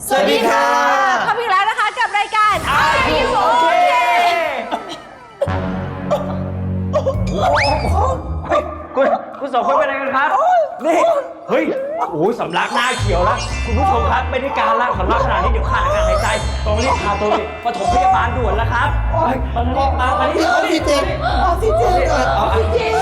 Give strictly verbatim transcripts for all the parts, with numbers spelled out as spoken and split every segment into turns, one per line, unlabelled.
สวัสดีค่ะ
พบอีกแล้วนะคะกับรายการ Are You Okay
คุณคุณสองคนเป็นอะไรกันครับนี่เฮ้ยโอ้ยสำลักหน้าเขียวแล้วคุณผู้ชมครับไม่ได้การละสำลักขนาดนี้เดี๋ยวขาดอากาศหายใจต้องรีบพาตัวไปปฐมพยาบาลด่วนแล้วครับมาเลยมามาที่ออกซิเจนออกซิเจนออกซิเจน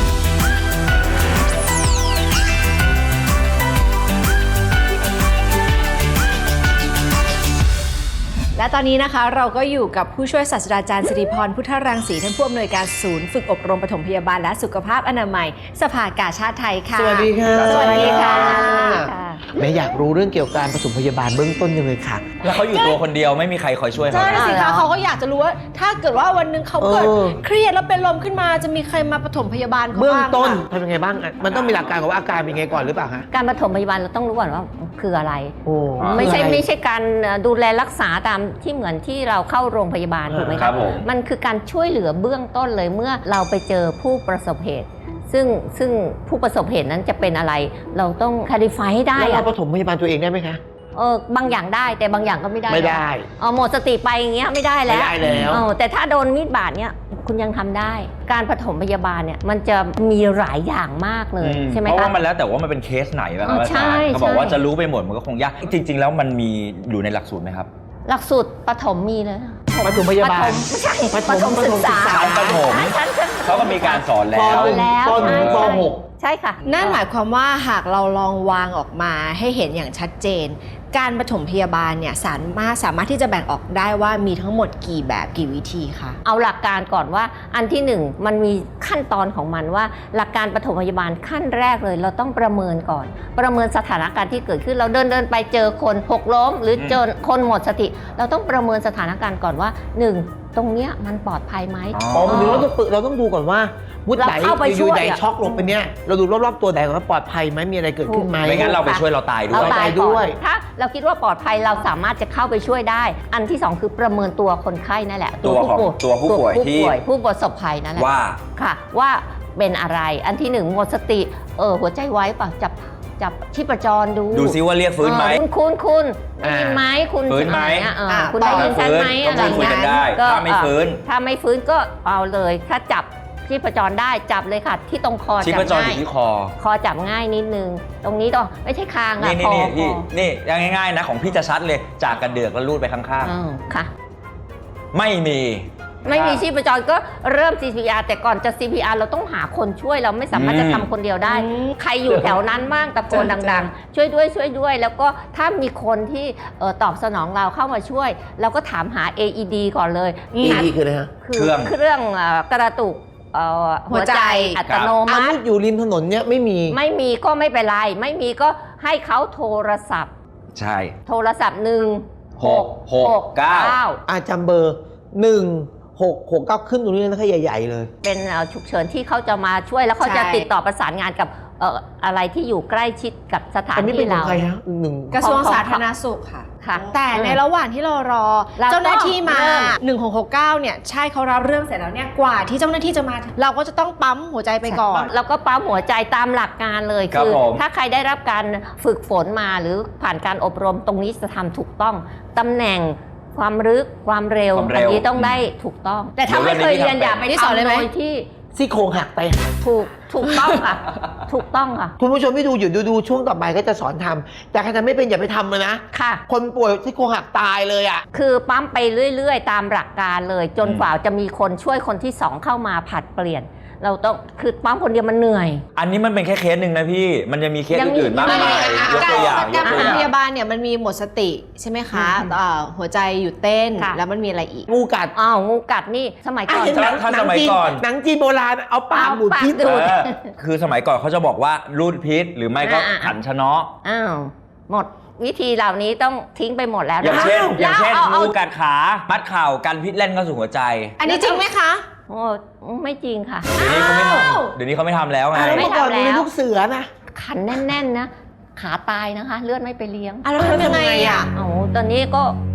และตอนนี้นะคะเราก็อยู่กับผู้ช่วยศาสตราจารย์สิริพรพุทธรังสีท่านผู้อำนวยการศูนย์ฝึกอบรมปฐมพยาบาลและสุขภาพอนามัยสภากาชาดไทยค่ะ
สวัสดีค่ะ
สวัสดีค่ะ
แม่อยากรู้เรื่องเกี่ยวกับการปฐมพยาบาลเบื้องต้นยังไงค่ะ
แล้วเขาอยู่ตัวคนเดียวไม่มีใครคอยช่วยเขา
ใช่สิคะเขาก็อยากจะรู้ว่าถ้าเกิดว่าวันหนึ่งเขาเกิดเครียดแล้วเป็นลมขึ้นมาจะมีใครมาปฐมพยาบาลเขาบ้าง
เบื้องต้นทำยังไงบ้างมันต้องมีหลักการของว่าอาการเป็นไงก่อนหรือเปล่าฮะ
การปฐมพยาบาลเราต้องรู้ก่อนว่าคืออะไร
โอ้
ไม่ใช่
คืออะร
ไม่ใช่การดูแลรักษาตามที่เหมือนที่เราเข้าโรงพยาบาลถูกไหม
ค
ค
รั
รั
บบ ผม
มันคือการช่วยเหลือเบื้องต้นเลยเมื่อเราไปเจอผู้ประสบเหตุ ซึ่งซึ่งผู้ประสบเหตุนั้นจะเป็นอะไร เราต้องคลิฟายให้ได้
แล้วเรา
อะ
ปฐมพยาบาลตัวเองได้ไหมคะ
เออบางอย่างได้แต่บางอย่างก็ไม่ได้
ไม่ได้
เออหมดสติไปอย่างเงี้ยไม่ได้แล้ว
ไม่ได้แล้ว
เออแต่ถ้าโดนมีดบาดเนี่ยคุณยังทำได้ การปฐมพยาบาลเนี่ยมันจะมีหลายอย่างมากเลยใช่ไหม
เพราะ
คะ
ว่ามันแล้วแต่ว่ามันเป็นเคสไหนแบบ
อ๋อ
อา
ใช่
จารย์เขาบอกว่า
ใช่
จะรู้ไปหมดมันก็คงยากจริง ๆ แล้วมันมีอยู่ในหลักสูตรไหมครับ
หลักสูตรปฐมมีเลย
ปฐมพยาบาล
ไม่ใช่
ป
ป
ฐ
ฐ
ม
มศึกษา
ชั้นประถม
ชั้นชั้น
เขาก็มีการสอนแล้
ป
ว
หนึ่ง
แล้ว
ปหนึ่ง
ใช่
ปหก
ใช่ค่ะ
นั่นหมายความว่าหากเราลองวางออกมาให้เห็นอย่างชัดเจน การปฐมพยาบาลเนี่ยสามารถสามารถที่จะแบ่งออกได้ว่ามีทั้งหมดกี่แบบกี่วิธีคะ
เอาหลักการก่อนว่าอันที่หนึ่งมันมีขั้นตอนของมันว่า หลักการปฐมพยาบาลขั้นแรกเลยเราต้องประเมินก่อน ประเมินสถานการณ์ที่เกิดขึ้นเราเดินเดินไปเจอคนหกล้ม หรือเจอคนหมดสติ เราต้องประเมินสถานการณ์ก่อนว่าหนึ่งตรงเนี้ยมันปลอดภัยไหม
อ๋อมันถึงเราต้องฝึกเราต้องดูก่อนว่าวุฒิไหน
เราเข้าไป
อ
ช่
ยู่
วย
ไหน
อะ
ช็อกลงไปเนี่ยเราดูรอบๆตัวไหนก่อนว่าปลอดภัยไหมมีอะไรเกิดขึ้นไหม
ไม่งั้นเราไปช่วยเราตายด้
เรา
วย
ตาย
ด้
ด้
ว
วย ยถ้าเราคิดว่าปลอดภัยเราสามารถจะเข้าไปช่วยได้ อันที่สองคือประเมินตัวคนไข้นั่นแหละ
ตัวของตัวผู้ป่วยที่
ผู้ประสบภัยนั่นแหละ
ว่า
ค่ะว่าเป็นอะไร อันที่หนึ่งหมดสติเออหัวใจไว้ป่ะจับจับชีพจรดู
ดูซิว่าเรียกฟื้นไหม
เออคุณคุณคุณได้ยินไหมคุณ
ฟื้นไหม
อะเออคุณได้ยินฉันไหม
ก็
อะไร
พูดคุยกันได้
ก็
ถ้าไม่ฟื้น
เออถ้าไม่ฟื้นก็เอาเลยถ้าจับชีพจรได้จับเลยค่ะ ที่ตรงคอ
ชี
จั
พ
บ
จรอ
ง่าย
ยู่ที่คอ
คอจับง่ายนิดนึง ตรงนี้ต้องไม่ใช่คางอะ
นี่
ค
นี่
อ
นี่
ค
นี่
อ
นี่ง่ายๆนะของพี่จะชัดเลยจากกระเดือกแล้วลูดไปข้าง
อืมค่ะ
ๆ ไม่มี
ไม่มีชีพจรก็เริ่ม ซี พี อาร์ แต่ก่อนจะ ซี พี อาร์ เราต้องหาคนช่วยเราไม่สามารถจะทำคนเดียวได้
อืม
ใครอยู่แถวนั้นบ้างตะโกน
จ้ะ
ดังๆ ช่วยด้วยช่วยด้วย แล้วก็ถ้ามีคนที่เอ่อตอบสนองเราเข้ามาช่วย เราก็ถามหา เอ อี ดี ก่อนเลย
อีดีคืออะไรฮะ
คือเครื่องเอ่อกระตุกเอ่อหัวใจอัตโน
อัน
มั
นี้
ติ
อยู่ริมถนนเนี่ยไม่มี
ไม่มีก็ไม่เป็นไร ไม่มีก็ให้เขาโทรศัพท์
ใช่
โทรศัพท์หนึ่ง
หกหกเก้า
อาจำเบอร์หนึ่งหกหกเก้าขึ้นตรงนี้นะคะใหญ่ๆเลย
เป็นเอ่อฉุกเฉินที่เขาจะมาช่วยแล้วเขาจะ
ใช่
ติดต่อประสานงานกับเอ่ออะไรที่อยู่ใกล้ชิดกับสถาน
อันนี้เป็
ที่
นขอ
เรา
งใครฮะหนึ่ง
กระทรวง
ของ
สาธารณสุขค่ะ
ค่ะ
แต่ในระหว่างที่เรารอ
เราก็
เจ้าหน้าที่มา
เริ่ม
หนึ่งหกหกเก้าเนี่ยใช่เขารับเรื่องเสร็จแล้วเนี่ยกว่าที่เจ้าหน้าที่จะมา เราก็จะต้องปั๊มหัวใจไปก่อน
แล้วก็ปั๊มหัวใจตามหลักการเลย
ครับ
คือ
ผม
ถ้าใครได้รับการฝึกฝนมาหรือผ่านการอบรมตรงนี้จะทำถูกต้องตำแหน่งความลึกความเร็ว
ความเร็
อั
ว
นี้ต้องได้ถูกต้อง แต่ถ้า
เดี๋
ไม่
ยว
เคยเรียน
วันนี้
อย่าไป
พี่สอนเลยไหม
ทำโดยที่
ซี่โครงหักไป
ถูกถูกต้องค่ะ ถูกต้องค่ะ
คุณผู้ชมที่ดูอยู่ดูดูช่วงต่อไปก็จะสอนทำแต่ใครทำไม่เป็นอย่าไปทำมันนะ
ค่ะ
คนป่วยซี่โครงหักตายเลยอ่ะ
คือปั๊มไปเรื่อยๆ ตามหลักการเลย จนกว่าจะมีคนช่วยคนที่สองเข้ามาผลัดเปลี่ยน เราต้องคือปั๊มคนเดียวมันเหนื่อย
อันนี้มันเป็นแค่เคสหนึ่งนะพี่ มันจะมีเคส
ยังมี
อื่นๆมากมายยกตัวอย่างย
การ
ก
ป
ตัว
ฐ
อ
ม
ย่าง
พยาบาลเนี่ยมันมีหมดสติใช่ไหมคะ
อืม
เอ่อหัวใจหยุดเต้น
ค่ะ
แล้วมันมีอะไรอีก
งูกัด
อ้าวงูกัดนี่สมัยก่อน
อ่ะเห็นหนัง
ถ้า
หนั
ส
ง
มัย
จีน
ก่อน
หนังจีนโบราณเอาปาก
เอา
บูด
ปาก
พิษ
ดู
เออคือสมัยก่อนเขาจะบอกว่ารูดพิษหรือไม่ก็
อ่า
ขันชะเนาะ
อ้าวหมดวิธีเหล่านี้ต้องทิ้งไปหมดแล้ว
อย่าง
นะคะ
เช่น อย่างเช่น
แล้วเอา
งูกัดขา มัดเข่ากันพิษเล่นเข้าสู่หัวใจ
อันนี้จริงไหมคะ
โอ้ไม่จริงค่ะ
เดี๋ยวนี้เขาไม่ทำเดี๋ยวนี้เขาไม่ทำแล้วไง
อ่ะแล้ว
ไม่
เมื่อก่อน
ทำแล้ว
มีลูกเสือนะ
ขันแน่นๆนะขาตายนะคะ เลือดไม่ไปเลี้ยง
อ่ะแล้วทำยังไงอ่ะ
โอ้ตอนนี้ก็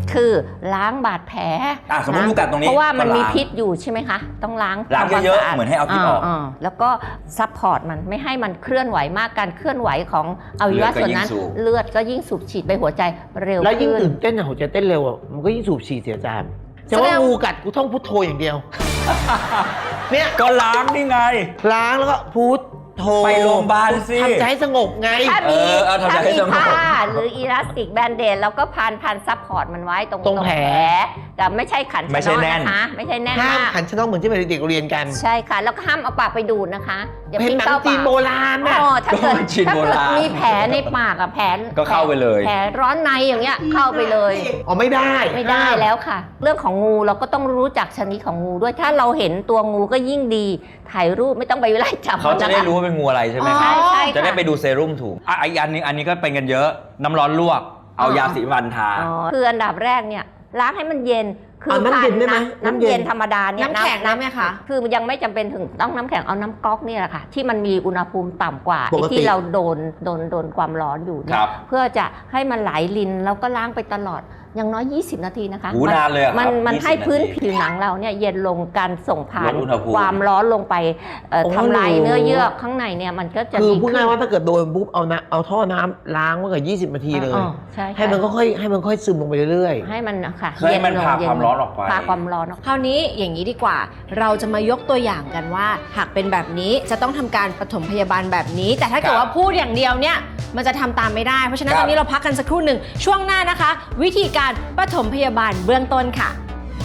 คือล้างบาดแผล
อ่ะสมมุติงูกัดตรงนี้
เพราะว่ามัน
ก็ล้าง
มีพิษอยู่ใช่ไหมคะ ต้องล้าง
ล้าง
ทำควม
เยอะๆ
สะด
เหมือนให้เอาพิษออก
าๆแล้วก็ซัพพอร์ตมันไม่ให้มันเคลื่อนไหวมากการเคลื่อนไหวของอวัยวะส่วนนั้น เลือดก็ยิ่งสูบฉีดไปหัวใจเร็ว
แล้วยิ่ง
ขึ้น
ตื่นเต้นอะหัวใจเต้นเร็วอะมันก็ยิ่งสูบฉีดเสียจานแต่ว่างูกัดกูท่องพุทโธอย่างเดียว เนี่ย
ก็ล้างนี่ไง
ล้างแล้วก็พุทโธ
ไปโรงพยาบาลสิ
ทำใจให้สงบไง
ถ้ามี
เออเอาทำใจ
ถ้า
ให้
มี
สงบ
ผ้าหรืออีลาสติกแบนเดดแล้วก็พันพันซัพพอร์ตมันไว้ตรง
ตรงแผล
แต่ไม่ใช่ขัน
ไม่ใช่
ชะ
แน่
เนาะ
น
นะคะไม่ใช่แน่น
ห้าม
มาก
ขันชะนกเหมือนที่เด็กๆเรียนกัน
ใช่ค่ะ แล้วก็ห้ามเอาปากไปดูดนะคะอย่า
เป็น
ปิ้ง
หนัง
เข้า
จี
ปาน ก
โบราณน่ะ
อ๋อถ้าเกิด
ก็เป็นจีน
ถ้า
โบ
เกิด
ราณ
มีแผลในปากอะแผล
ก็เข้าไปเลย
แผลร้อนในอย่างเงี้ยเข้าไปเลย
อ๋อไม่ได้
ไม่ได้แล้วค่ะ เรื่องของงูเราก็ต้องรู้จักชนิดของงูด้วยถ้าเราเห็นตัวงูก็ยิ่งดีถ่ายรูปไม่ต้องไปไล่จับ
เขาจะได้
นค
รู้ว่าเป็นงูอะไรใช่ไหม
ใช่ใช่
จะได้
ค่ะ
ไปดูเซรุ่มถูกอ่ะอีกอันนึงอันนี้ก็เป็นกันเยอะน้ำร้อนลวก เอายาสีฟันทา
อ๋อคืออันดับแรกเนี่ยล้างให้มันเย็นคื
เอาน้ำเย็นได้ไหม
น้ำ
น้ำเย็น
เย็นธรรมดาเนี่ย
น้ำแข็งได้ไหมคะ
คือมันยังไม่จำเป็นถึงต้องน้ำแข็งเอาน้ำก๊อกเนี่ยแหละค่ะที่มันมีอุณหภูมิต่ำกว่า
ปกติ
ไอ้ที่เราโดนโดนโดนความร้อนอยู่เนี่
ค
ย
รับ
เพื่อจะให้มันไหลลินแล้วก็ล้างไปตลอดอย่างน้อยยี่สิบนาทีนะคะ
หูนานเลยอะครับ
มันมัน
ยี่สิบ
ให้พื้น
นาที
ผิวหนังเราเนี่ยเย็นลงการส่งผ่าน
ลดอุณหภูมิ
ความร้อนลงไปเอ่อ
โอ้
ทำลาย
หนู
เนื้อเยื่อข้างในเนี่ยมันก็จะ
คือ
ดี
พูด
ขึ้
ง่าย
น
ว่าถ้าเกิดโดนปุ๊บเอาน้ำเอาท่อน้ำล้างไว้กับยี่สิบนาทีเลย
อ๋อใช่
ให้มันก็ค่อยให้มันค่อยซึมลงไปเรื่อย
ให้มันค่ะ
เพื่อให้มัน
ลง
พา
เย็
ความร้อนออกไป
พาความร้อนออก
คราวนี้อย่างนี้ดีกว่า เราจะมายกตัวอย่างกันว่า หากเป็นแบบนี้จะต้องทำการปฐมพยาบาลแบบนี้ แต่ถ้าเกิดว่าพูดอย่างเดียวเนี่ยมันจะทำตามไม่ได้ เพราะฉะนั้น
ครั
ต
บ
อนนี้เราพักกันสักครู่หนึ่งช่วงหน้านะคะ วิธีการปฐมพยาบาลเบื้องต้นค่ะ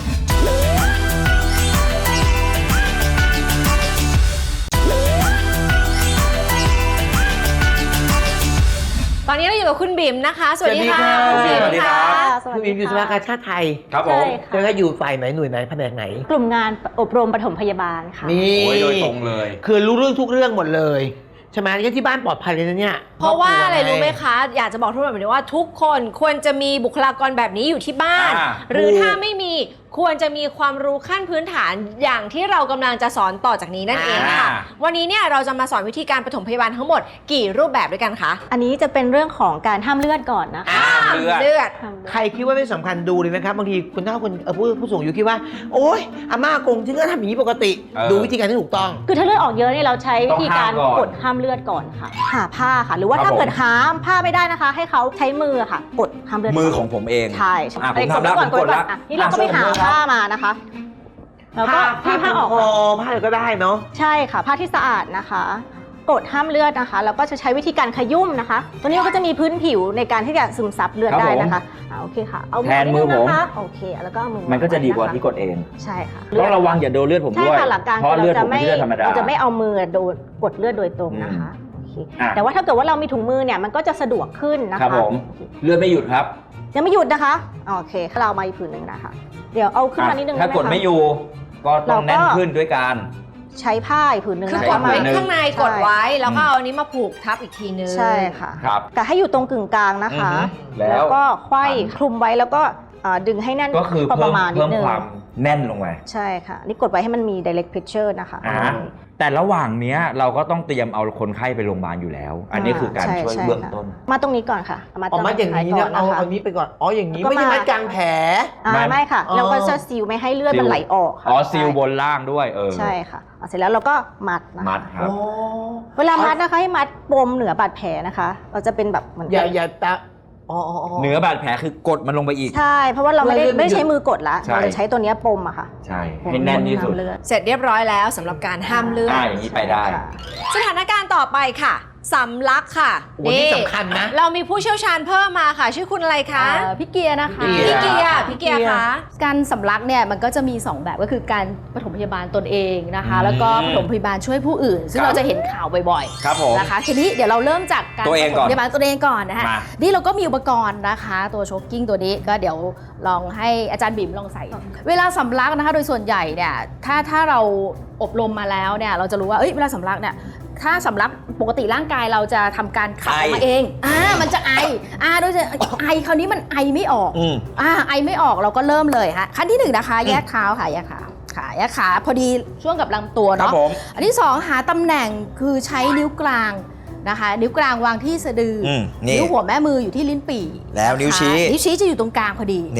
ตอนนี้เราอยู่กับคุณบิ๋มนะคะ สวัสดีค่ะ
สวัสดี
ณ
ครับ
บิ๋มค่ะ
ๆคือมีอยู่สภากาชาติไทย
ครับผม
ใช่
จะ
ค่ะ
ได้อยู่ฝ่ายไหนหน่วยไหนแผนกไหน
กลุ่มงานอบรมปฐมพยาบาลค่ะ
นี่
โอ้ยโดยตรงเลย
คือรู้เรื่องทุกเรื่องหมดเลยใช่ไหมงั้นที่บ้านปลอดภัยเลยนะเนี่ย
เพราะว่าอะไรรู้ไหมคะ อยากจะบอกทุกคนแบบนี้ว่าทุกคนควรจะมีบุคลากรแบบนี้อยู่ที่บ้าน
อ่า
หรือถ้าไม่มีควรจะมีความรู้ขั้นพื้นฐานอย่างที่เรากำลังจะสอนต่อจากนี้นั่นเองค่ะ วันนี้เนี่ยเราจะมาสอนวิธีการปฐมพยาบาลทั้งหมดกี่รูปแบบด้วยกันคะ
อันนี้จะเป็นเรื่องของการห้ามเลือดก่อนนะคะ
ห้ามเลือด
เลือด
ห้ามเลือด
ใครคิดว่าไม่สำคัญดูเลยนะครับบางทีคุณเฒ่าคนเอ่อผู้ผู้สูงอายุคิดว่า โอ๊ยอาม่ากงฉันก็ทำอย่างนี้ปกติ
เออ
ดูวิธีการที่ถูกต้อง
คือถ้าเลือดออกเยอะเนี่ยเราใช้วิธีการ
ต้องห้ามก่อน
กดห้ามเลือดก่อนค่ะ หาผ้าค่ะ หรือว่า
ครับ
ถ้าเกิด
ผม
หาผ้าไม่ได้นะคะ ให้เขาใช้มือค่ะกดห้ามเลือด
มือ
ก่น
ของผมเอง
ใช่
อ่ะผม
ไป
ทำแล้ว
ก่อน
ผมกด
ก่อน
แล้ว
อ่ะนี่เราก็ไปหา
อ่ะ
ผ้ามานะคะแล้วก็
ผ้า
ที่ผ้าออก
คอผ้าอะไรก็ได้เนาะ
ใช่ค่ะ ผ้าที่สะอาดนะคะ กดห้ามเลือดนะคะ แล้วก็จะใช้วิธีการขยุ่มนะคะ ตัวนี้มันก็จะมีพื้นผิวในการที่จะซึมซับเลือด
ครับ
ได้
ผม
นะคะอ่าโอเคค่ะ เอา
แทนมือ
ดง
ผม
นะคะโอเค แล้วก็เอามือ
มันก็จะดีกว่า
ไนะคะ
ที่กดเอง
ใช่ค่ะ
ต้องระวังอย่าโดนเลือดผม
ใช่
ด้วย
ค่ะหลักการ
เพราะ
คือ
เลือด
เรา
ผ
จะ
ม
ไม่
ไม่ใช่เลือดธรรมดา
เราจะไม่เอามือโดนกดเลือดโดยตรงนะคะ โอเค
อ่ะ
แต่ว่าถ้าเกิดว่าเรามีถุงมือเนี่ยมันก็จะสะดวกขึ้นนะคะ
ครับผม เลือดไม่หยุดครับ
ยังไม่หยุดนะคะโอเคเราเอามาอีกผืนหนึ่งนะคะ เดี๋ยวเอาขึ้นมานิดนึง
ถ้า
ได้ห
กด
คะ
ไม่อยู่ ก็ต้อง
เราก็
แน่นขึ้นด้วยการ
ใช้ผ้าอีกผืนหนึ่ง
คือ
นะ
ก
คะ
ดไว้
หนึ่ง
ข้างในกดไว้แล้วก็เอาอันนี้มาผูกทับอีกทีนึง
ใช่ค่ะ
ครับ
กะให้อยู่ตรงกึ่งกลางนะคะ
อือฮึแล้ว
ก็ไขว้คลุมไว้แล้วก็อ่าดึงให้แน่น
ก็คือ
พอป
เพิ่ม
ระมาณนิ
เพิ่
ด
ม
นึง
ความแน่นลงไป
ใช่ค่ะ นี่กดไว้ให้มันมี direct pressure นะคะ
อ่าแต่ระหว่างเนี้ยเราก็ต้องเตรียมเอาคนไข้ไปโรงพยาบาลอยู่แล้ว อันนี้คือการ
ใ
ช่วย
ใ
เบื้องต้น
ค่ะมาตรงนี้ก่อนค่ะมา
ออกมาอย่างนี้
ก่
นะเอา
นะคะ
เอานี้ไปก่อน อ๋ออย่างนี้
แล้วก็
ไม่ใช่
มา
มัดกลางแผล
อ่า
ไม่
ไม่ค่ะ
อ๋อ
เราก็จะซีลไม่ให้เลือดมันไหลออกค่ะ
อ๋อซีล
ใช่
บนล่างด้วยเออ
ใช่ค่ะเอาเสร็จแล้วเราก็มัดนะคะ
มัดครับ
โอ้
เวลามัดนะคะให้มัดปมเหนือบาดแผลนะคะ เราจะเป็นแบบเหมือน
อย่าอย่าตาอ๋ออ๋ออ๋อ
เหนือบาดแผลคือกดมันลงไปอีก
ใช่ เพราะว่าเราไม่ได้
เลือดมัน
ไม่ได้ใช้
หยุด
มือกดละ
ใช่
เราจะใช้ตัวเนี้ยปมอะค่ะ
ใช่ให้แน่นที่สุด
ปมห้ามเลือด
เสร็จเรียบร้อยแล้วสำหรับการห้ามเลือด
อ่าอย่างนี้ไปได้
ค่ะ
สถานการณ์ต่อไปค่ะสำลักค่ะ
โอ้นี่สำคัญนะ
เรามีผู้เชี่ยวชาญเพิ่มมาค่ะ ชื่อคุณอะไรคะ
เอ่อพี่เกียร์นะคะ
พี่
พี่เกียร์พี่เกียร์คะ
การสำลักเนี่ยมันก็จะมีสองแบบก็คือการปฐมพยาบาลตนเองนะคะ แล้วก็ปฐมพยาบาลช่วยผู้อื่น ซึ่ง
ครับ
เราจะเห็นข่าวบ่อย
ครับผม
ๆนะคะทีนี้เดี๋ยวเราเริ่มจากการ
ตัวเอง
ป
ก่
ฐ
อน
มพยาบาลตัวเองก่อนนะคะ
มา
นี่เราก็มีอุปกรณ์นะคะ ตัวโชกกิ้งตัวนี้ก็เดี๋ยวลองให้อาจารย์บิ่มลองใส่ เวลาสำลักนะคะโดยส่วนใหญ่เนี่ยถ้าถ้าเราอบรมมาแล้วเนี่ยเราจะรู้ว่าเอ้ยเวลาสำลักเนี่ยถ้าสำลักปกติร่างกายเราจะทำการขับออกมา
ไอ
เองอ่ามันจะไออ่าโดยจะไอคราวนี้มันไอไม่ออก
อืม
อ่าไอไม่ออกเราก็เริ่มเลยฮะขั้นที่หนึ่งนะคะ แยกเท้าค่ะแยกขาขาแยกขาพอดีช่วงกับลำตัว
ครับ
เนาะ
ผม
อันที่สองหาตำแหน่งคือใช้นิ้วกลางนะคะ นิ้วกลางวางที่สะดืออ
มนี่
นิ้วหัวแม่มืออยู่ที่ลิ้นปี่
แล้วนิ้วชี้
นะคะนิ้วชี้จะอยู่ตรงกลางพอดี
นี่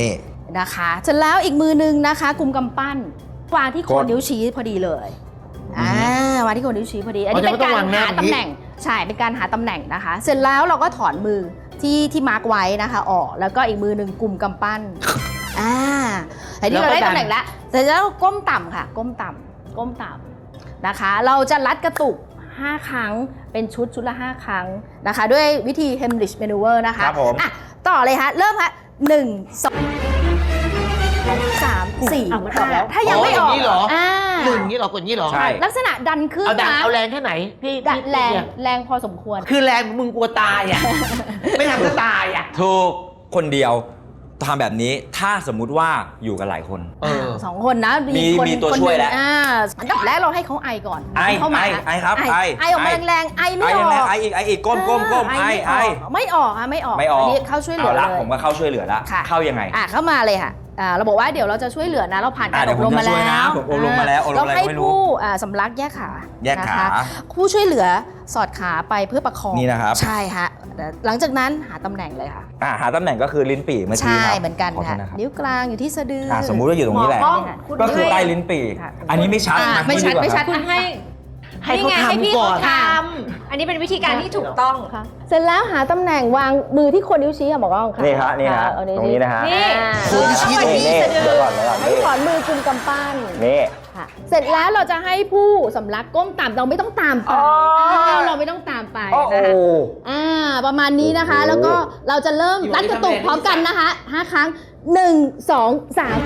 นะคะเสร็จแล้วอีกมือนึงนะคะกุมกำปั้นวางที่โคนนิ้วชี้พอดีเลยอ่าวางที่โคนนิ้วชี้พอดีอันนี้เป็นการหาตำแหน่งใช่เป็นการหาตำแหน่งนะคะ เสร็จแล้วเราก็ถอนมือที่ที่มาร์กไว้นะคะออกแล้วก็อีกมือหนึ่งกุมกำปั้นอ่าแต่ที่เราได้ตำแหน่งแล้วเสร็จแล้วก้มต่ำค่ะก้มต่ำก้มต่ำนะคะเราจะรัดกระตุกห้าครั้งเป็นชุดชุดละห้าครั้งนะคะด้วยวิธี Heimlich Maneuver นะคะ
ครับผม
อ่ะต่อเลยฮะเริ่มฮะหนึ่งสองสามสี่
เอามันออกแล้ว
ถ้ายังไม่ออก
อย่างนี้เหรอ
อ่า
หนึ่งอย่างนี้เหรอกดอย่างนี้เหรอ
ใช่
ลักษณะดันขึ้น
เอาดัง
นะ
เอาแรงแค่ไหนพี่
ดัน
พี่
แรง
เนี่ย
แรงพอสมควร
คือแรงมึงกลัวตายอ่ะ ไม่ทำก็ตายอ่ะ
ถูกคนเดียวทำแบบนี้ถ้าสมมุติว่าอยู่กันหลายคน
เออ
สองคนนะ
มี
คน
มีตัว
คน
ช่วย
หนึ่ง
แล้ว
อ่าอันดับแรกเราให้เขาไอก่อน
ไอ
เข้ามา
ไอไอครับไอ
ไอออกมาแรงๆไอ
ไอ
ไม่อ
ยัง
อ
ไง
ก
ไออีกไออีกก้มก้มก้มไอไอ
ไม่ออกอ่ะไม่ออก
ไม่ออก
นนี้เข้าช่วยเหลือ
เอาละ
เลย
ผมก็เข้าช่วยเหลือละ
ค่ะ
เข้ายังไง
อ่ะเข้ามาเลยค่ะอ่าเราบอกว่าเดี๋ยวเราจะช่วยเหลือนะ เราผ่านการ
อ่ะเดี๋
อ
ยว
บรม
ผม
มา
จะช่วย
แล้
นะ
ว
ผมอบรมมาแล้วอบรม
เรา
อะไร
ให้
ก็ไม่รู้
ผู้อ่าสำลักแยกขา
แยกขา
นะคะผู้ช่วยเหลือสอดขาไปเพื่อประคอง
นี่นะครับ
ใช่ฮะหลังจากนั้นหาตำแหน่งเลยค่ะ
อ่าหาตำแหน่งก็คือลิ้นปี่เมื่อกี้
ใช่
ครับ
เหมือนกัน
ขอโท
ค่ะ
ษนะครับ
นิ้วกลางอยู่ที่สะดือ
อ่าสมมุติว่าอยู่ตรงนี้แหละ
หมอกล้องคุณ
ก็คือ
ให้
ใต้ลิ้นปี่
ค่ะ
อันนี้ไม่ชัด
อ่า
นะ
ไม่ชัด
ดีกว่า
ไม่ชัด
ครับ
คุณให้
ให้เขา
นี่ไงให้พี่
ทำก่อน
เขาทำอันนี้เป็นวิธีการที่ถูกต้อง
ค่ะเสร็จแล้วหาตำแหน่งวางมือที่คนนิ้วชี้ค่ะบอกว่าค่ะ
นี่ฮะนี่ฮะ
เอา
ตรงนี้นะฮะ
นี่
คนชี้ตรงนี้
นี่เดี๋ยวก่อนเดี๋ยวก่อน
ให้ถอนมือกุมกำปั้น
นี่
ค่ะเสร็จแล้วเราจะให้ผู้สำลักก้มต่ำเราไม่ต้องตามไป
อ๋ออ่
าเราไม่ต้องตามไป
โอ้โห
นะคะอ่าประมาณนี้นะคะ
โอ้โห
แล้วก็เราจะเริ่มรัดกระตุกพร้อมกันนะคะห้าครั้งหนึ่งสองสาม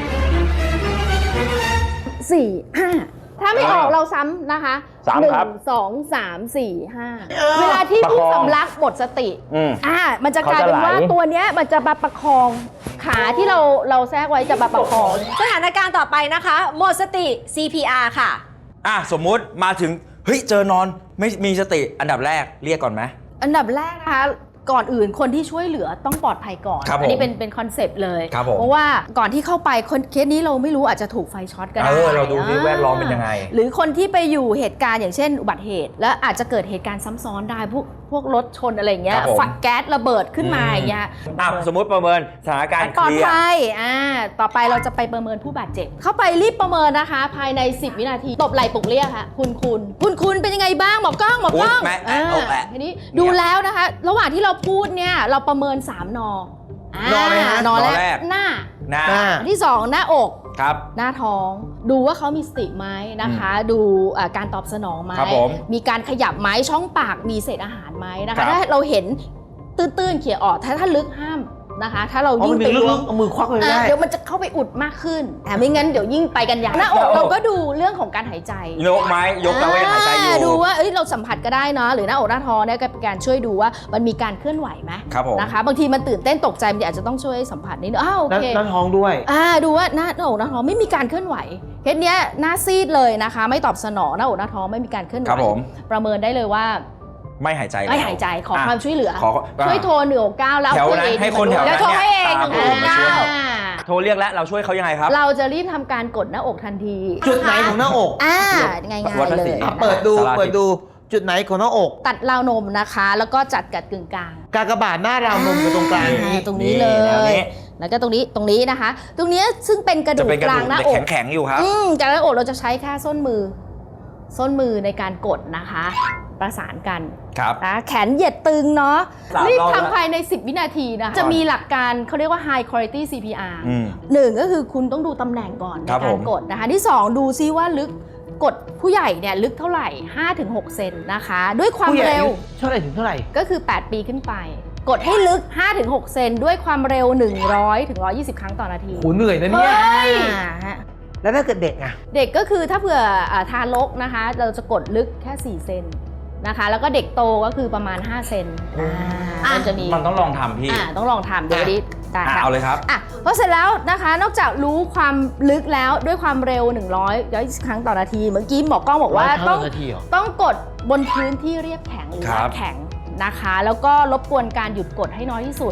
สี่ห้าถ้าไม่ออกเราซ้ำนะคะ
สาม
หนึ่ง
ครับ
สองสามสี่ห้าเวลาที่ผู้
ประคอง
สำลักหมดสติ
อืม
อ่ามันจะกลายเป็นว่า
เขาจะไหล
ตัวเนี้ยมันจะมาประคองขาที่เราเราแทรกไว้จะมาประคอง
สถานการณ์ต่อไปนะคะหมดสติ ซี พี อาร์ ค่ะ
อ่ะสมมุติมาถึงเฮ้ยเจอนอนไม่มีสติอันดับแรกเรียกก่อนไหม
อันดับแรกนะคะก่อนอื่นคนที่ช่วยเหลือต้องปลอดภัยก่อน
ครับผม
อันี้เป็นเป็นคอนเซปต์เลย
ครับผม
เพราะว่าก่อนที่เข้าไปคนเคสนี้เราไม่รู้อาจจะถูกไฟช็อตก็ได้
เออเราดูที่แวดล้อมเป็นยังไง
หรือคนที่ไปอยู่เหตุการณ์อย่างเช่นอุบัติเหตุ แล้วอาจจะเกิดเหตุการณ์ซ้ำซ้อนได้พวกพวกรถชนอะไรอย่างเงี้ย
ครับผม
ฝักแก๊สระเบิดขึ้นมา
อืม
อย่างเงี้ย
อ่ะสมมุติประเมินสถานการณ์
ปลอ
เค
ด
ลียร์
ภัยอ่าต่อไปเราจะไปประเมินผู้บาดเจ็บ เข้าไปรีบประเมินนะคะ ภายใน สิบ วินาที ตบไหล่ปลุกเรียกค่ะ คุณคุณคุณคุณเป็นยังไงบ้างหมอกล้องหมอกล้อง
อุ๊ยแม่แม่เอาแหละ
ทีนี้ดูแล้วนะคะ ระหว่างที่เราพูดเนี่ยเราประเมินสามนอ
นออะไรฮะ
นอแร
นอแร
ก
ก
หน้า
หน้า
หน้า
อันที่สองหน้าอก
ครับ
หน้าท้อง ดูว่าเขามีสติไหมนะคะ ดูอ่าการตอบสนองไหม
ครับผม
มีการขยับไหมช่องปากมีเศษอาหารไหมนะ
ครั
คะ
บ
ถ้าเราเห็นตื้นๆเขี่ยออกถ้าถ้าลึกห้ามนะคะ ถ้าเรา
อ๋อ
ยิ่
มั
ง
นมี
ไป
ลึ
ล้วง
กๆเอามือควักเลย
อ่า
ได้
เดี๋ยวมันจะเข้าไปอุดมากขึ้นแต่ไม่งั้นเดี๋ยวยิ่งไปกันใหญ่หน้าอกเราก็ดูเรื่องของการหายใจ
ยกไหมยกแล้วว่ายังหายใจอยู่
อ่าดูว่าเอ้ยเราสัมผัสก็ได้เนาะหรือหน้าอกหน้าท้องเนี่ยก็เป็นการช่วยดูว่ามันมีการเคลื่อนไหวไหม
ครับผม
นะคะบางทีมันตื่นเต้นตกใจมันอาจจะต้องช่วยสัมผัสนิดนึงอ้าวโอ
นั่น
เค
นั่นท้องด้วย
อ่าดูว่าหน้าหน้าอกหน้าท้องไม่มีการเคลื่อนไหวเคสเนี้ยหน้าซีดเลยนะคะ ไม่ตอบสนองหน้าอกหน้าท้องไม่มีการเคลื่อนไหว
ครับผม
ประเมินได้เลยว่า
ไม่หายใจแล้ว
ไม่หายใจขอความช่วยเหลือ
ขอ
ช่วยโทรหนึ่งหกเก้าแล้ว
แถวนั้น
เอ
ให้คนแถว
แล้
นั้
วน โทรให้เอง
ตาม
หนึ่งหก
มาช่วย
อ่า
โทรเรียกแล้วเราช่วยเขายังไงครับ
เราจะรีบทำการกดหน้าอกทันที
จุดไหนของหน้าอก
อ่าง่าย
วัด
ๆ
ภา
เล
ษี
ย
อ่ะ
นะคะ
เปิดดู
สาราทิพย์
เปิดดูจุดไหนของหน้าอก
ตัดราวนมนะคะ แล้วก็จัดกัดกึ่งกลาง
กากบาทหน้าราวนมอยู่ตรงกลาง
อ่า
นี้
ตรงนี้เล
แนวย นี้
แล้วก็ตรงนี้ตรงนี้นะคะ ตรงนี้ซึ่งเป็นกระ
จะ
ดูก
เป็นกระ
กลา
ดู
ง
ก
หน้าอก
แข็งๆอยู่ครับ
อืมจากหน้าอกเราจะใช้แค่ส้นมือ ส้นมือในการกดนะคะ ประสานกัน
ครับ
นะแขนเหยียดตึงเนาะ
สาม
รีบ
รอบแล้ว
ทำภายใน สิบ วินาทีนะคะจะมีหลักการเขาเรียกว่า high quality ซี พี อาร์
อืม
หนึ่งก็คือคุณต้องดูตำแหน่งก่อนใน
ครับ
กา
ผ
ร
ม
กดนะคะที่สองดูซิว่าลึกกดผู้ใหญ่เนี่ยลึกเท่าไหร่ ห้าถึงหก เซนนะคะ ด้วยความ
ผู้ใหญ่
เร็ว
เท่าไหร่ถึงเท่าไหร่
ก็คือ แปด ปีขึ้นไป กดให้ลึก ห้าถึงหก เซนด้วยความเร็ว หนึ่งร้อยถึงหนึ่งร้อยยี่สิบ ครั้งต่อนาที
โหเหนื่อยนะเนี่ย
อ่าฮะ
แล้วถ้าเกิดเด็กอ่ะ
เด็กก็คือถ้าเผื่ออ่าทารกนะคะ เราจะกดลึกแค่ สี่ เซนนะคะ แล้วก็เด็กโตก็คือประมาณ ห้า เซนอ่ามันจะมี
มันต้องลองทำพี่
อ่าต้องลองทำเดี๋ยวดิได้
อ่ะ
ค่ะ
เอาเลยครับ
อ่ะพอเสร็จแล้วนะคะนอกจากรู้ความลึกแล้วด้วยความเร็ว หนึ่งร้อย ยี่สิบ ครั้งต่อนาที เมื่อกี้หมอกล้องบอกว่า
ร้อยครั้ง
ต้อง
ต่อนาทีเหรอ
ต้องกดบนพื้นที่เรียบแข็งหรือ
ครับ
แข็งนะคะ แล้วก็รบกวนการหยุดกดให้น้อยที่สุด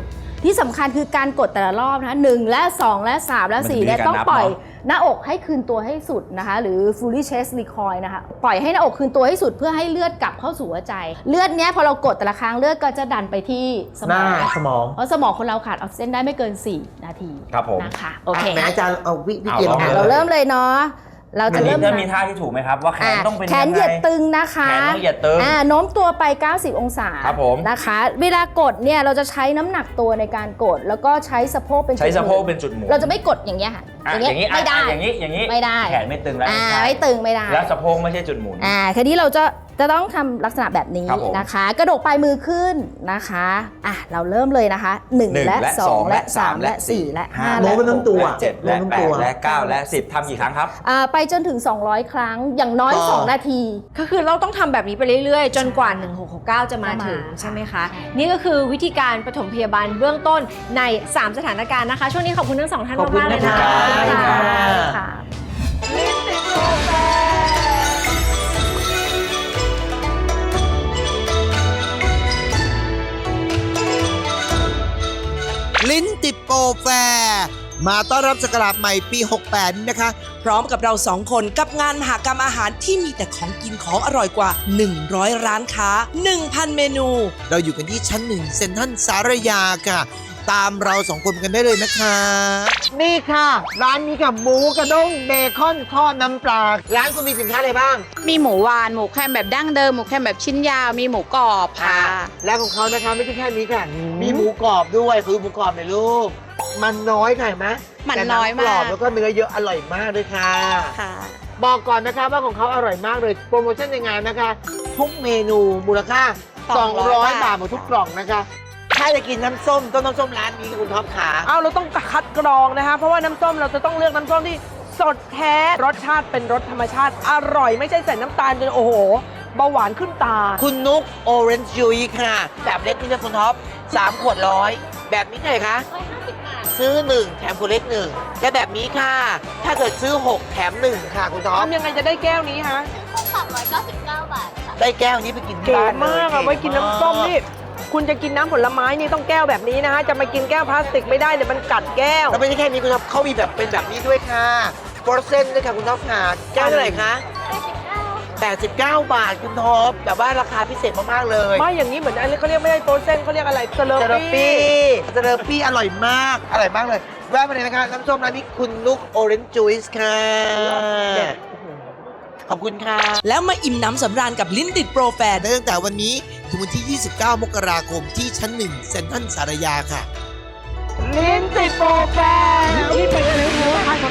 ที่สำคัญคือการกดแต่ละรอบนะคะหนึ่งและสองและสามและสี่เนี่ยต้องปล่อยหน้าอกให้คืนตัวให้สุดนะคะหรือ fully chest recoil นะคะปล่อยให้หน้าอกคืนตัวให้สุดเพื่อให้เลือดกลับเข้าสู่หัวใจเลือดเนี้ยพอเรากดแต่ละครั้งเลือดก็จะดันไปที่ส
ห
ม
น้า
อง
สมอง
เพราะสมองคนเราขาดออกซิเจนได้ไม่เกินสี่นาที
ครับผม
นะคะโอเค
แม่อาจารย์เอาวิวิธี
เอา
อ่ะเราเริ่มเลยเนาะเรา
อั
จะ
นนี้
เริ่ม
จะมีท่าที่ถูกไหมครับ ว่าแขนต้องเป็น
แขน
ยัง
เหยียด
ไง
ตึงนะคะ
แขนต้องเหยียดตึง
อ่าโน้มตัวไป เก้าสิบ องศา
ครับผม
นะคะ เวลากดเนี่ยเราจะใช้น้ำหนักตัวในการกด แล้วก็ใช้สะโพกเป็นจุด
ใช้สะโพก
หมุน
เป็นจุดหมุน
เราจะไม่กดอย่างเงี้ยค่ะ
อ่ะ
อย่างเงี้ย
อย่างนี้
ไม่ได้
อ่ะอย่างนี้อย่างนี้
ไม่ได้
แขนไม่ตึงแล้ว
อ่า
ใช่
ไม่ตึงไม่ได้
แล้วสะโพกไม่ใช่จุดหมุน
อ่าคราวนี้เราจะจะต้องทำลักษณะแบบนี้
ครับผม
นะคะ กระดกปลายมือขึ้นนะคะอ่ะเราเริ่มเลยนะคะหนึ่ง
หนึ่ง
และ
และ
ส
ส
อ
อง ง
และ
และ
สา
สาม ม
และ
และ
สี่
สี่
และห้า
ห้า
โน้
และ
มไปทั้งตัว
และเจ็ดและ
โน้ม
แป
ทั้งตัว
ดและเก้าและสิบทำกี่ครั้งครับ
อ่าไปจนถึงสองร้อยครั้งอย่างน้อย
ต่อ
สองนาที
ก็คือเราต้องทำแบบนี้ไปเรื่อยๆ จนกว่า หนึ่งหกหกเก้า จะมา
จะมา
ถึงใช่ไหมคะ
ใช่
นี่ก็คือวิธีการปฐมพยาบาลเบื้องต้นใน สาม สถานการณ์นะคะ ช่วงนี้ขอบคุณทั้งสองท่าน
ขอบคุณ
มากๆเลย
นะ
นะคะ
ขอบคุณค่ะ
ค่ะ
ลิ้นติดโปรแฟร์มาต้อนรับศักราชใหม่ปี หกแปด นี้นะคะ พร้อมกับเราสองคนกับงานมหกรรมอาหารที่มีแต่ของกินของอร่อยกว่า หนึ่งร้อย ร้านค้า หนึ่งพัน เมนู เราอยู่กันที่ชั้นหนึ่งเซ็นทรัลสารยาค่ะ ตามเราสองคนกันได้เลยนะคะ
นี่ค่ะ ร้านนี้กับหมูกระด้งเบคอนทอดน้ำปลาร้านคุณมีสินค้าอะไรบ้าง
มีหมูหวาน หมูแคมแบบดั้งเดิม หมูแคมแบบชิ้นยาว มีหมูกรอบค่ะ
และของเขานะคะไม่ใช่แค่นี้ค่ะ มีหมูกรอบด้วยคือหมูกรอบในรูปมันน้อยค่ะเห็นไหม
มันน้อย
แต่หงกรอบ
มาก
แล้วก็เนื้อเยอะอร่อยมากด้วยค่ะ
ค่ะ
บอกก่อนนะคะว่าของเขาอร่อยมากเลยโปรโมชั่นในงานนะคะ ทุกเมนูมูลค่า
สองร้อย
บาทหมดทุกกล่องนะคะ ถ้าจะกินน้ำส้มต้องน้ำส้มร้านนี้คุณท็อปขา
เอาเราต้องคัดกรองนะคะ เพราะว่าน้ำส้มเราจะต้องเลือกน้ำส้มที่สดแท้รสชาติเป็นรสธรรมชาติอร่อยไม่ใช่ใส่น้ำตาลจนโอ้โหเบาหวานขึ้นตา
คุณนุกโอเรนจ์ยูยค่ะ แบบเล็กนี่นะคุณท็อปสามขวดร้อยแบบนี้เท่าไหร่คะซื้อหนึ่งแถมขวดเล็กหนึ่งและแบบนี้ค่ะ ถ้าเกิดซื้อหกแถมหนึ่งค่ะคุณท็อป
ทำยังไงจะได้แก้วนี้ฮะ
ได้แก้วนี้ไปกินที่
เก๋
บ้านเลย
มากอะไว้กินน้ำส้มนี่ คุณจะกินน้ำผลไม้นี่ต้องแก้วแบบนี้นะฮะ จะมากินแก้วพลาสติกไม่ได้เดี๋ยวมันกัดแก้ว
แล้วไม่ใช่แค่นี้คุณท็อปเขามีแบบเป็นแบบนี้ด้วยค่ะโปรเซนต์ด้วยค่ะคุณท็อปค่ะแก้วเท่าไหร่คะแปดสิบเก้าบาทคุณท็อปแบบว่าราคาพิเศษมากๆเลย
ไม่อย่างนี้เหมือนอะไรเขาเรียกไม่ใช่โปรเซนเขาเรียกอะไรเซเลอ
เซเล
ปี้
ปี้เซเลปี้อร่อยมาก อร่อยมากเลย แวะมาเลยนะคะน้ำส้มร้านนี้คุณนุกโอเรนจ์จูสค่ะ ขอบคุณค่ะ
แล้วมาอิ่มน้ำสำราญกับลิ้นติดโปรแฟร์ได้ตั้งแต่วันนี้ ถึงวันที่ ยี่สิบเก้า มกราคมที่ชั้นหนึ่งเซ็นทรัลสารยาค่ะ
ลิ้นติดโปรแฟร์นี่เป็นอะไรรู้ไหม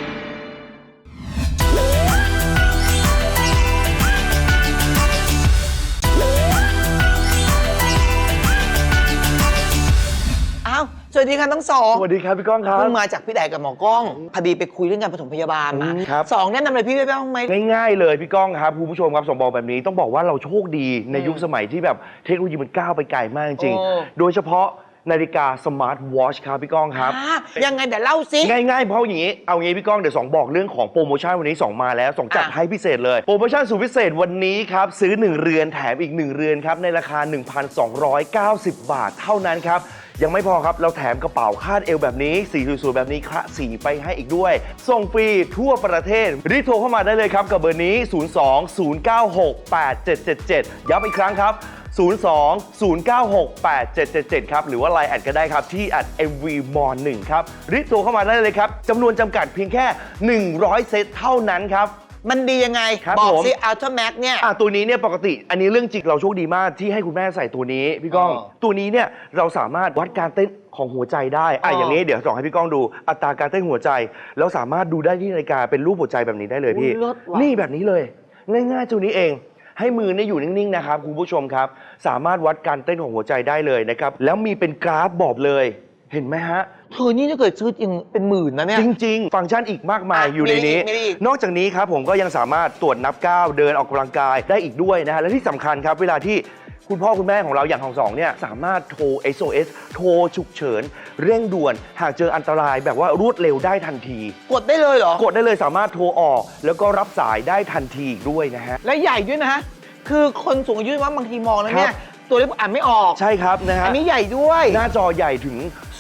อ้าว สวัสดีค่ะทั้งสอง
สวัสดีครับพี่ก้องครับ
เพิ่งมาจากพี่แดกกับหมอกล้องพอดีไปคุยเรื่องการปฐมพยาบาลมา
อืมครับ
สองแนะนำอะไรพี่ได้บ้างไหม
ง่ายๆเลยพี่ก้องครับคุณผู้ชมครับสองบอกแบบนี้ต้องบอกว่าเราโชคดีในยุคสมัยที่แบบเทคโนโลยีมันก้าวไปไกลมากจริง
โอ้
ๆโดยเฉพาะนาฬิกาสมาร์ทวอชครับพี่ก้องครับ
อ่ายังไงเดี๋ยวเล่าสิ
ง่ายๆเพราะอย่างนี้เอางี้พี่ก้องเดี๋ยวสองบอกเรื่องของโปรโมชั่นวันนี้สองมาแล้วสองจัด
อ่ะ
ให้พิเศษเลยโปรโมชั่นสุดพิเศษวันนี้ครับซื้อหนึ่งเรือนแถมอีกหนึ่งเรือนครับในราคา หนึ่งพันสองร้อยเก้าสิบ บาทเท่านั้นครับยังไม่พอครับเราแถมกระเป๋าคาดเอวแบบนี้สีสวยๆแบบนี้คละสีไปให้อีกด้วยส่งฟรีทั่วประเทศรีบโทรเข้ามาได้เลยครับกับเบอร์นี้ ศูนย์ สอง ศูนย์ เก้า หก แปด เจ็ด เจ็ด เจ็ด ย้ำอีกครั้งครับ ศูนย์ สอง ศูนย์ เก้า หก แปด เจ็ด เจ็ด เจ็ด ครับ หรือว่า ไลน์ แอดก็ได้ครับ ที่ แอท เอ็ม วี มอ หนึ่ง ครับ รีบโทรเข้ามาได้เลยครับ จำนวนจำกัดเพียงแค่ หนึ่งร้อย เซตเท่านั้นครับ
มันดียังไง
ครับ
บอก
ผม
สิอัลตร้าแม็กเนี่ย
อ่ะตัวนี้เนี่ยปกติอันนี้เรื่องจริงเราโชคดีมากที่ให้คุณแม่ใส่ตัวนี้พี่ก้อง
อ๋อ
ตัวนี้เนี่ยเราสามารถวัดการเต้นของหัวใจได้อ่ะ
อ๋อ
อ
อย่าง
นี้เดี๋ยวส่องให้พี่ก้องดูอัตราการเต้นหัวใจแล้วสามารถดูได้ที่นาฬิกาเป็นรูปหัวใจแบบนี้ได้เลยพี่
อุ๊ยเลิศว่ะ
นี่แบบนี้เลย ง่ายๆตัวนี้เอง ให้มือเนี่ยอยู่นิ่งๆนะครับคุณผู้ชมครับสามารถวัดการเต้นของหัวใจได้เลยนะครับแล้วมีเป็นกราฟบอกเลยเห็นไหมฮะ
เธอนี่ถ้าเกิดซื้อจริงเป็นหมื่นนะเนี่ย
จริง ๆ ฟังก์ชันอีกมากมาย
อ่ะ
อยู่ในนี้
มีอะไรอีกมีอะไรอีก
นอกจากนี้ครับผมก็ยังสามารถตรวจนับก้าวเดินออกกำลังกายได้อีกด้วยนะฮะและที่สำคัญครับเวลาที่คุณพ่อคุณแม่ของเราอย่างของสองเนี่ยสามารถโทร เอส โอ เอส โทรฉุกเฉิน เร่งด่วนหากเจออันตรายแบบว่ารวดเร็วได้ทันที
กดได้เลยเหรอ
กดได้เลยสามารถโทรออก แล้วก็รับสายได้ทันทีอีกด้วยนะฮะ
และใหญ่ด้วยนะ คือคนสูงอายุว่าบางทีมองแล้วเนี่ย ตัวเล็กอ่านไม่ออก
ใช่ครับนะฮะ
อันนี้ใหญ่ด้วย
หน้าจอใหญ่ถึง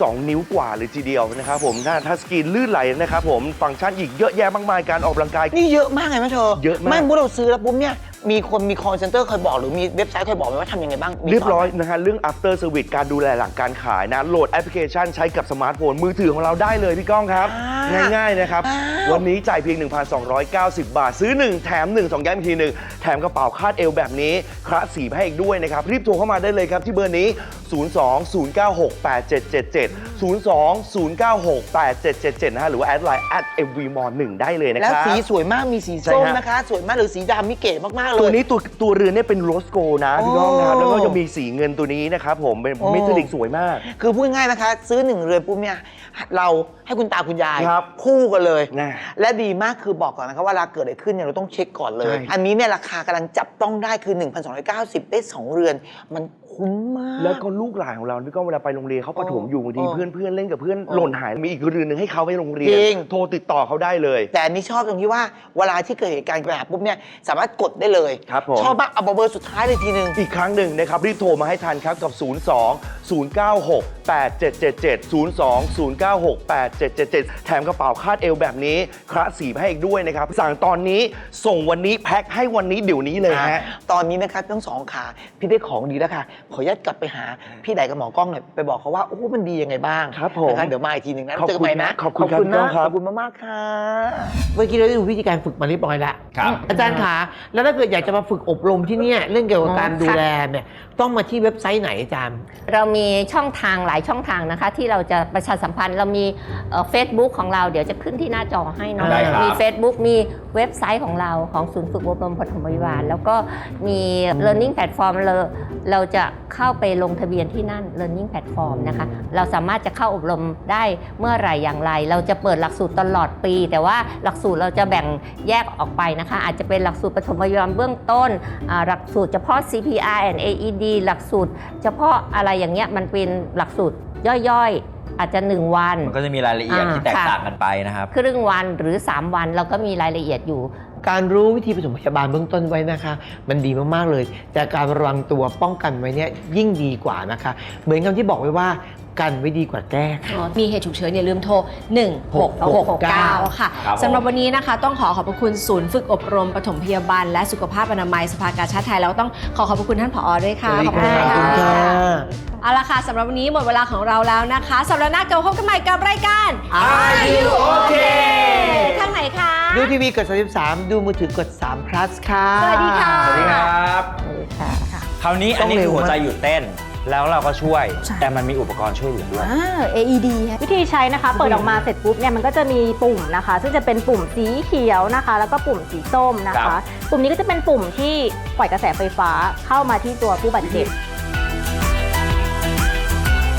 สองนิ้วกว่าเลยทีเดียวนะครับผมหน้าทัชสกรีนลื่นไหลนะครับผมฟังก์ชันอีกเยอะแยะมากมายการออกกำลังกาย
นี่เยอะมากไงแม่เธอ
เยอะมาก
ไม่เมื่อเราซื้อแล้วปุ๊บเนี่ยมีคนมี call center เคยบอกหรือมีเว็บไซต์เคยบอกไหมว่าทำยังไงบ้างมี
เรียบร้อย
สนไหม
นะฮะเรื่อง after service การดูแลหลังการขายนะโหลดแอปพลิเคชันใช้กับสมาร์ทโฟนมือถือของเราได้เลยพี่ก้องครับ
อ่า
ง่ายๆนะครับ
อ้าว
วันนี้จ่ายเพียง หนึ่งพันสองร้อยเก้าสิบ บาท ซื้อ 1 แถม 1 สองย้ำอีกทีหนึ่งแถมกระเป๋าคาดเอวแบบนี้คละสีให้อีกด้วยนะครับ รีบโทรเข้ามาได้เลยครับที่เบอร์นี้ ศูนย์ สอง ศูนย์ เก้า หก แปด เจ็ด เจ็ด เจ็ด ศูนย์ สอง ศูนย์ เก้า หก แปด เจ็ด เจ็ด เจ็ด นะฮะหรือว่าแอดไลน์ แอท เอ็ม วี มอลล์ หนึ่ง ได้เลยนะค
แล้ว
รับ
สีสวยมากมีสี
ใช่
ส้ม
ฮะ
นะคะ สวยมากหรือสีดำนี่เก๋มาก ๆ เลย
ตัวนี้ตัวตัวเรือนเนี่ยเป็นโรสโกนะพี่ก้องนะครับ
โอ้
แล้วก็จะมีสีเงินตัวนี้นะครับผมเป็น
โอ้
เมทัลลิกสวยมาก
คือพูดง่ายๆนะคะ ซื้อหนึ่งเรือนปุ๊บเนี่ยเราให้คุณตาคุณยาย
ครับ
คู่กันเลย
นะ
และดีมากคือบอกก่อนนะครับว่าเวลาเกิดอะไรขึ้นเนี่ยเราต้องเช็คก่อนเลย
ใช่
อันนี้เนี่ยราคากำลังจับต้องได้คือ หนึ่งพันสองร้อยเก้าสิบ ได้สองเรือน มันคุ้มมาก
แล้วก็ลูกหลานของเราพี่ก้องเวลาไปโรงเรียนเขาประถมอยู่บางที
เออ
เพื่อนเพื่อนๆเล่นกับเพื่อน
เออ
หล่นหายมีอีกเรือนหนึ่งให้เขาไปโรงเรีย
จ
น
ริง
โทรติดต่อเขาได้เลย
แต่อันนี้ชอบตรงที่ว่าเวลาที่เกิดเหตุการณ์แบบปุ๊บเนี่ยสามารถกดได้เลย
ครับผม
ชอบมากเอาเบอร์สุดท้ายเลยทีนึง
อีกครั้งหนึ่งนะครับ รีบโทรมาให้ทันครับกับ ศูนย์ สอง ศูนย์ เก้า หก แปด เจ็ด เจ็ด เจ็ด ศูนย์ สอง ศูนย์ เก้า หก แปด เจ็ด เจ็ด เจ็ด แถมกระเป๋าคาดเอวแบบนี้คละสีให้อีกด้วยนะครับ สั่งตอนนี้ส่งวันนี้แพ็คให้วันนี้เดี๋ยวนี้เลยฮะ
ตอนนี้นะครับทั้งสองขาพี่ได้ของดีแล้วค่ะ ขออนุญาตกลับไปหาพี่ไดกับหมอกล้องหน่อยไปบอกเขาว่าโอ้มันดียังไงบ้าง
ครับผม
นะคะเดี๋ยวมาอีกทีหนึ่งนะ
ขอบ
เจอ
คุ
กัน
ณ
ใหม่นะ
ขอบคุณครับ
นะ
ครับ
ขอบคุณมากๆค่ะเมื่อกี้เราได้ดูวิธีการฝึกมาเรียบร้อยแล้ว
ครับ
อาจารย์คะแล้วถ้าเกิดอยากจะมาฝึกอบรมที่เนี่ยเรื่องเกี่ยวกับการดูแลเนี่ยต้องมาที่เว็บไซต์ไหนอาจารย์
เรามีช่องทางหลายช่องทางนะคะ ที่เราจะประชาสัมพันธ์เรามีเฟซบุ๊กของเราเดี๋ยวจะขึ้นที่หน้าจอให้เนาะ
ได้ครับ
มี Facebook มีเว็บไซต์ของเราของศูนย์ฝึกอบรมปฐมพยาบาลแล้วก็มี learning platform เราเราจะเข้าไปลงทะเบียนที่นั่น learning platform นะคะเราสามารถจะเข้าอบรมได้เมื่อไหร่อย่างไร เราจะเปิดหลักสูตรตลอดปี แต่ว่าหลักสูตรเราจะแบ่งแยกออกไปนะคะอาจจะเป็นหลักสูตรปฐมพยาบาลเบื้องต้นอ่าหลักสูตรเฉพาะ ซี พี อาร์ and เอ อี ดี หลักสูตรเฉพาะอะไรอย่างเงี้ยมันเป็นหลักสูตรย่อยๆ อาจจะหนึ่งวัน
มันก็จะมีรายละเอียด
อ่า
ที่แตก
ค่ะ
ต่างกันไปนะครับ
ครึ่งวันหรือสามวันเราก็มีรายละเอียดอยู่
การรู้วิธีปฐมพยาบาลเบื้องต้นไว้นะคะ มันดีมากๆเลย แต่การระวังตัวป้องกันไว้เนี่ยยิ่งดีกว่านะคะ เหมือนคำที่บอกไว้ว่ากันไว้ดีกว่าแก้ค่ะ
มีเหตุฉุกเฉินอย่าลืมโทร หนึ่ง หก หก เก้า ค่ะ
ครับผม
สำหรับวันนี้นะคะต้องขอขอบพระคุณศูนย์ฝึกอบรมปฐมพยาบาลและสุขภาพอนามัยสภากาชาดไทยแล้วก็ต้องขอขอบพระคุณท่านผอด้วยค่ะ
สวัสดี
ขอบคุณ
ครับ
ค่ะ
ขอบคุณค่ะ
เอาละค่ะสำหรับวันนี้หมดเวลาของเราแล้วนะคะสัปดาห์หน้ากลับมาพบกันใหม่กับรายการ
Are You Okay
ทางไหนคะ
ดูทีวีกดสามสิบสามดูมือถือกดสาม plus ค่ะ
สวัสดีค่ะ
สวัสดีครับ คราวนี้อันนี้
ต้องเร็
คื
ว
อหัวใจ
มาก
หยุดเต้น แล้วเราก็ช่วย
ใช่
แต่มันมีอุปกรณ์ช่วยเหลือด้วย
อ่า เอ อี ดี วิธีใช้นะคะ เปิดออกมาเสร็จปุ๊บเนี่ยมันก็จะมีปุ่มนะคะ ซึ่งจะเป็นปุ่มสีเขียวนะคะ แล้วก็ปุ่มสีส้มนะ
ครั
คะ
บ
ปุ่มนี้ก็จะเป็นปุ่มที่ปล่อยกระแสไฟฟ้าเข้ามาที่ตัวผู้บาดเจ็บ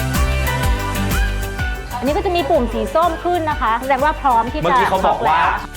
อันนี้ก็จะมีปุ่มสีส้มขึ้นนะคะ แสดงว่าพร้อมที่จะ
เมื่อกี้เขาบอกว่า
ช็แล้ว